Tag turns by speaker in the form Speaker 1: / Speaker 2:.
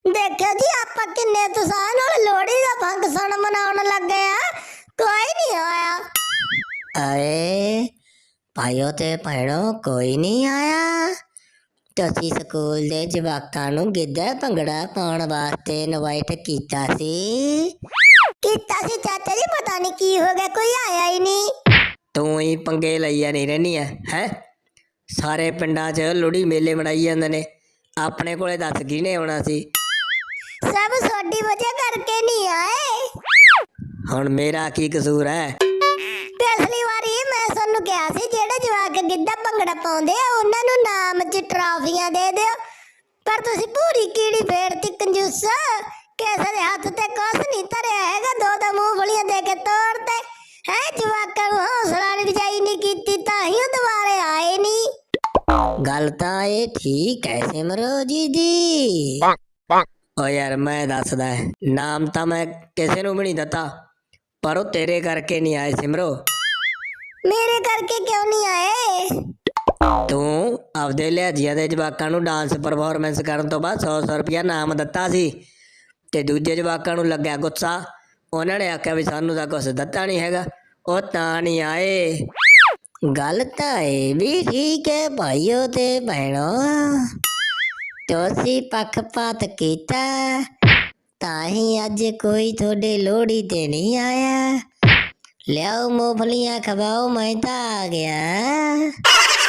Speaker 1: ਦੇਖਿਓ ਜੀ ਆਪਾਂ ਕਿੰਨੇ ਉਤਸ਼ਾਹ ਨਾਲ ਲੋਹੜੀ ਦਾ ਫੰਕਸ਼ਨ ਮਨਾਉਣ ਲੱਗੇ ਆ। ਕੋਈ ਨਹੀਂ ਆਇਆ।
Speaker 2: ਅਰੇ ਭਾਈਓ ਤੇ ਭੈਣੋ, ਕੋਈ ਨਹੀਂ ਆਇਆ। ਤੁਸੀਂ ਸਕੂਲ ਦੇ ਜਵਾਕਾਂ ਨੂੰ ਗਿੱਧਾ ਭੰਗੜਾ ਪਾਉਣ ਵਾਸਤੇ ਇਨਵਾਈਟ ਕੀਤਾ ਸੀ।
Speaker 1: ਕੀਤਾ ਸੀ ਚਾਚਾ ਜੀ, ਪਤਾ ਨਹੀਂ ਕੀ ਹੋ ਗਿਆ, ਕੋਈ ਆਇਆ ਹੀ ਨਹੀਂ।
Speaker 2: ਤੂੰ ਹੀ ਪੰਗੇ ਲਈ ਨਹੀਂ ਰਹਿਣੀ ਹੈ। ਸਾਰੇ ਪਿੰਡਾਂ 'ਚ ਲੋਹੜੀ ਮੇਲੇ ਮਨਾਈ ਜਾਂਦੇ ਨੇ, ਆਪਣੇ ਕੋਲੇ ਦੱਸ ਕਿਹਨੇ ਆਉਣਾ ਸੀ।
Speaker 1: ਸਭ ਤੁਹਾਡੀ ਵਜ੍ਹਾ ਕਰਕੇ ਨਹੀਂ ਆਏ।
Speaker 2: ਹੁਣ ਮੇਰਾ ਕੀ ਕਸੂਰ ਹੈ?
Speaker 1: ਪਿਛਲੀ ਵਾਰੀ ਮੈਂ ਤੁਹਾਨੂੰ ਕਿਹਾ ਸੀ ਜਿਹੜੇ ਜਵਾਕ ਗਿੱਧਾ ਭੰਗੜਾ ਪਾਉਂਦੇ ਆ ਉਹਨਾਂ ਨੂੰ ਨਾਮ 'ਚ ਟਰਾਫੀਆਂ ਦੇ ਦਿਓ, ਪਰ ਤੁਸੀਂ ਪੂਰੀ ਕੀੜੀ ਫੇਰਤੀ ਕੰਜੂਸ। ਕਿਸੇ ਦੇ ਹੱਥ ਤੇ ਕੁਛ ਨਹੀਂ ਧਰਿਆ ਹੈਗਾ, ਦੋ ਮੂੰਗਫਲੀਆਂ ਦੇ ਕੇ ਤੋੜਤੇ ਹੈ। ਜਵਾਕਾਂ ਨੂੰ ਹੌਸਲਾ ਅਫਜ਼ਾਈ ਨਹੀਂ ਕੀਤੀ ਤਾਂ ਹੀ ਉਹ ਦੁਬਾਰੇ ਆਏ ਨਹੀਂ।
Speaker 2: ਗੱਲ ਤਾਂ ਇਹ ਠੀਕ ਹੈ ਸਿਮਰੋ ਜੀ ਦੀ। ਓ ਯਾਰ ਮੈਂ ਦੱਸਦਾ, ਨਾਮ ਤਾਂ ਮੈਂ ਕਿਸੇ ਨੂੰ ਵੀ ਨਹੀਂ ਦਿੱਤਾ, ਪਰ ਉਹ ਤੇਰੇ ਕਰਕੇ ਨਹੀਂ ਆਏ ਸਿਮਰੋ।
Speaker 1: ਮੇਰੇ ਕਰਕੇ ਕਿਉਂ ਨਹੀਂ ਆਏ?
Speaker 2: ਤੂੰ ਆਪਦੇ ਲਿਹਾਜ਼ੀਆਂ ਦੇ ਜਵਾਕਾਂ ਨੂੰ ਡਾਂਸ ਪਰਫਾਰਮੈਂਸ ਕਰਨ ਤੋਂ ਬਾਅਦ 100 ਰੁਪਇਆ ਨਾਮ ਦਿੱਤਾ ਸੀ, ਤੇ ਦੂਜੇ ਜਵਾਕਾਂ ਨੂੰ ਲੱਗਿਆ ਗੁੱਸਾ। ਉਹਨਾਂ ਨੇ ਆਖਿਆ ਵੀ ਸਾਨੂੰ ਤਾਂ ਕੁਛ ਦਿੱਤਾ ਨਹੀਂ ਹੈਗਾ, ਉਹ ਤਾਂ ਨਹੀਂ ਆਏ। ਗੱਲ ਤਾਂ ਇਹ ਵੀ ਠੀਕ ਹੈ ਭਾਈਓ ਤੇ ਭੈਣੋ, ਤੁਸੀਂ ਪੱਖਪਾਤ ਕੀਤਾ ਤਾਂ ਹੀ ਅੱਜ ਕੋਈ ਤੁਹਾਡੇ ਲੋਹੜੀ ਤੇ ਨਹੀਂ ਆਇਆ। ਲਿਆਓ ਮੂੰਗਫਲੀਆਂ ਖਵਾਓ, ਮੈਂ ਤਾਂ ਆ ਗਿਆ।